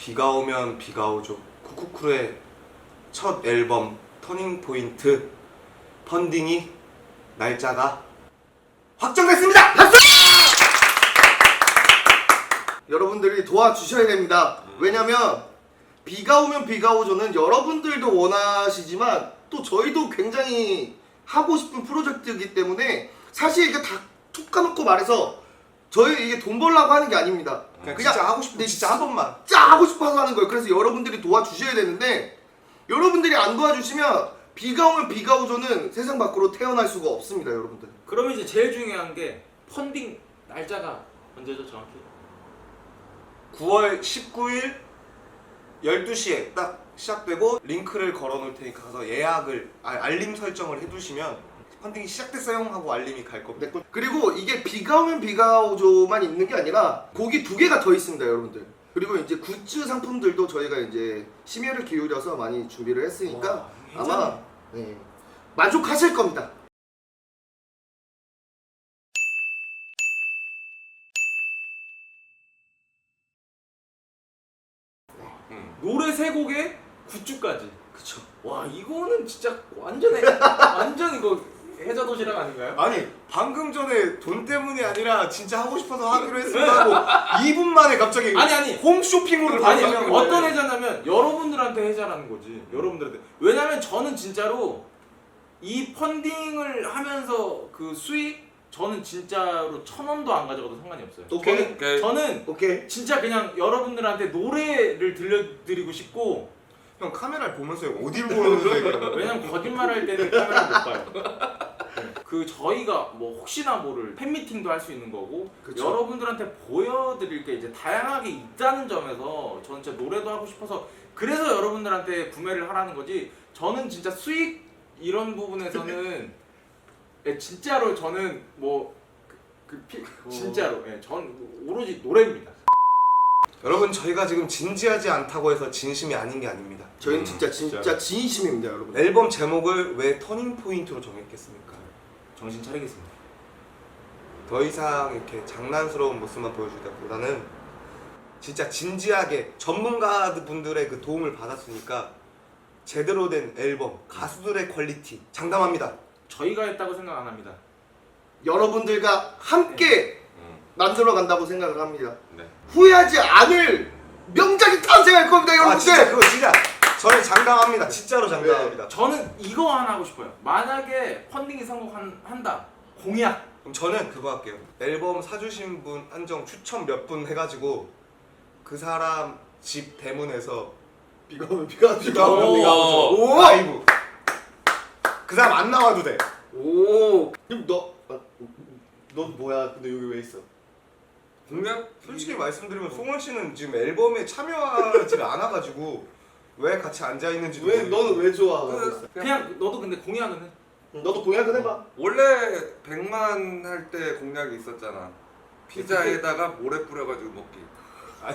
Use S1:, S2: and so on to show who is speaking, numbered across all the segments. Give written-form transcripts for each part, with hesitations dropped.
S1: 비가 오면 비가 오죠. 쿠쿠쿠의 첫 앨범 터닝포인트 펀딩이 날짜가 확정됐습니다. 박수!
S2: 여러분들이 도와주셔야 됩니다. 왜냐면 비가 오면 비가 오죠는 여러분들도 원하시지만 또 저희도 굉장히 하고 싶은 프로젝트이기 때문에 사실 이게 다 툭 까놓고 말해서 저희 이게 돈 벌려고 하는 게 아닙니다.
S1: 그냥 진짜 하고 싶은데
S2: 네,
S1: 진짜 한 번만.
S2: 진짜 하고 싶어서 하는 거예요. 그래서 여러분들이 도와주셔야 되는데 여러분들이 안 도와주시면 비가 오면 비가 오죠는 세상 밖으로 태어날 수가 없습니다, 여러분들.
S3: 그러면 이제 제일 중요한 게 펀딩 날짜가 언제죠 정확히?
S1: 9월 19일 12시에 딱 시작되고 링크를 걸어 놓을 테니까 가서 예약을 알림 설정을 해두시면 펀딩이 시작됐어요 하고 알림이 갈 겁니다.
S2: 네, 그리고 이게 비가 오면 비가 오죠만 있는 게 아니라 곡이 2개가 더 있습니다, 여러분들. 그리고 이제 굿즈 상품들도 저희가 이제 심혈을 기울여서 많이 준비를 했으니까
S3: 와,
S2: 아마 네, 만족하실 겁니다.
S3: 노래 3곡에 굿즈까지.
S2: 그쵸.
S3: 와 이거는 진짜 완전 이거 해자 도시락 아닌가요?
S1: 아니 방금 전에 돈 때문이 아니라 진짜 하고 싶어서 하기로 했습니다 하고 2분 만에 갑자기
S3: 아니.
S1: 홈쇼핑으로
S3: 아니
S1: 바뀌는
S3: 어떤
S1: 거예요.
S3: 해자냐면 여러분들한테 해자라는 거지. 여러분들한테. 왜냐면 저는 진짜로 이 펀딩을 하면서 그 수익 저는 진짜로 1,000원도 안 가져가도 상관이 없어요.
S2: 오케이.
S3: 저는
S2: 오케이.
S3: 진짜 그냥 여러분들한테 노래를 들려드리고 싶고.
S1: 형 카메라를 보면서 어디를 보면서 얘기해요?
S3: 왜냐면 거짓말할 때는 카메라 못 봐요. 그 저희가 뭐 혹시나 모를 팬미팅도 할 수 있는 거고
S2: 그쵸.
S3: 여러분들한테 보여드릴 게 이제 다양하게 있다는 점에서 저는 진짜 노래도 하고 싶어서 그래서 여러분들한테 구매를 하라는 거지. 저는 진짜 수익 이런 부분에서는 예, 진짜로 저는 뭐 진짜로 예, 전 오로지 노래입니다.
S1: 여러분 저희가 지금 진지하지 않다고 해서 진심이 아닌 게 아닙니다.
S2: 저희는 진짜 진심입니다, 여러분.
S1: 앨범 제목을 왜 터닝 포인트로 정했겠습니까?
S3: 정신 차리겠습니다.
S1: 더 이상 이렇게 장난스러운 모습만 보여주기보다는 진짜 진지하게 전문가분들의 그 도움을 받았으니까 제대로 된 앨범, 가수들의 퀄리티 장담합니다.
S3: 저희가 했다고 생각 안 합니다.
S2: 여러분들과 함께 만들어 간다고 생각을 합니다.
S4: 네.
S2: 후회하지 않을 명작이 탄생할 겁니다,
S1: 아
S2: 여러분들.
S1: 진짜 그거 진짜 저는 장담합니다. 진짜로 장담합니다.
S3: 저는 이거 하나 하고 싶어요. 만약에 펀딩이 성공한다. 공약.
S1: 그럼 저는 그거 할게요. 앨범 사주신 분 한정 추첨 몇 분 해가지고 그 사람 집 대문에서
S2: 비가 오면 비가
S1: 비가 오면 비가 오죠.
S2: 오!
S1: 라이브. 그 사람 안 나와도 돼.
S2: 오. 그럼 넌 뭐야? 근데 여기 왜 있어?
S4: 공약?
S1: 솔직히 말씀드리면 송원 씨는 지금 앨범에 참여하지 않아가지고 왜 같이 앉아 있는지도
S2: 왜 너는 왜 좋아하고 있어?
S3: 그냥 너도 근데 공약은 해.
S2: 너도 공약은 해봐.
S4: 원래 100만 할 때 공약이 있었잖아. 피자에다가 모래 뿌려가지고 먹기.
S1: 아니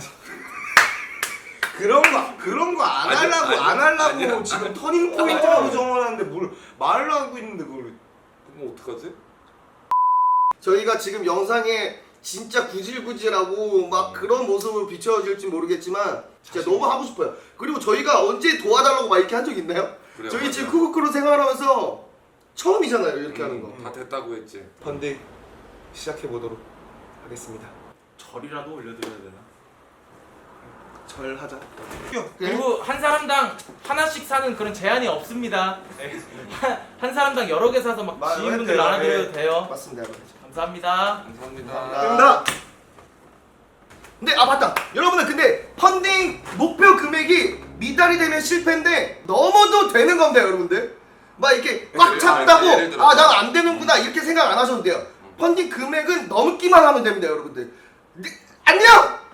S1: 그런 거 안
S4: 아니,
S1: 하려고
S4: 아니,
S1: 안 하려고
S4: 아니야.
S1: 지금 터닝 포인트라고 정해놨는데 뭘 말을 하고 있는데 그걸
S4: 그럼 어떡하지?
S2: 저희가 지금 영상에 진짜 구질구질하고 막 그런 모습을 비춰질지 모르겠지만 진짜 너무 하고 싶어요. 그리고 저희가 언제 도와달라고 막 이렇게 한 적 있나요?
S4: 그래,
S2: 저희
S4: 맞아.
S2: 지금 쿠쿠쿠로 생활하면서 처음이잖아요, 이렇게 하는 거.
S4: 다 됐다고 했지.
S1: 펀딩 시작해 보도록 하겠습니다.
S3: 절이라도 올려드려야 되나?
S1: 절하자.
S3: 그리고 한 사람당 하나씩 사는 그런 제한이 없습니다. 네. 한 사람당 여러 개 사서 막 지인분들
S1: 돼요.
S3: 나눠드려도 돼요.
S2: 맞습니다, 여러분.
S3: 감사합니다.
S4: 감사합니다.
S2: 감사합니다. 근데 맞다. 여러분들 근데 펀딩 목표 금액이 미달이 되면 실패인데 넘어도 되는 겁니다, 여러분들. 막 이렇게 꽉 찼다고
S4: 예를 들어서.
S2: 난 안 되는구나 이렇게 생각 안 하셔도 돼요. 펀딩 금액은 넘기만 하면 됩니다, 여러분들. 네, 안녕.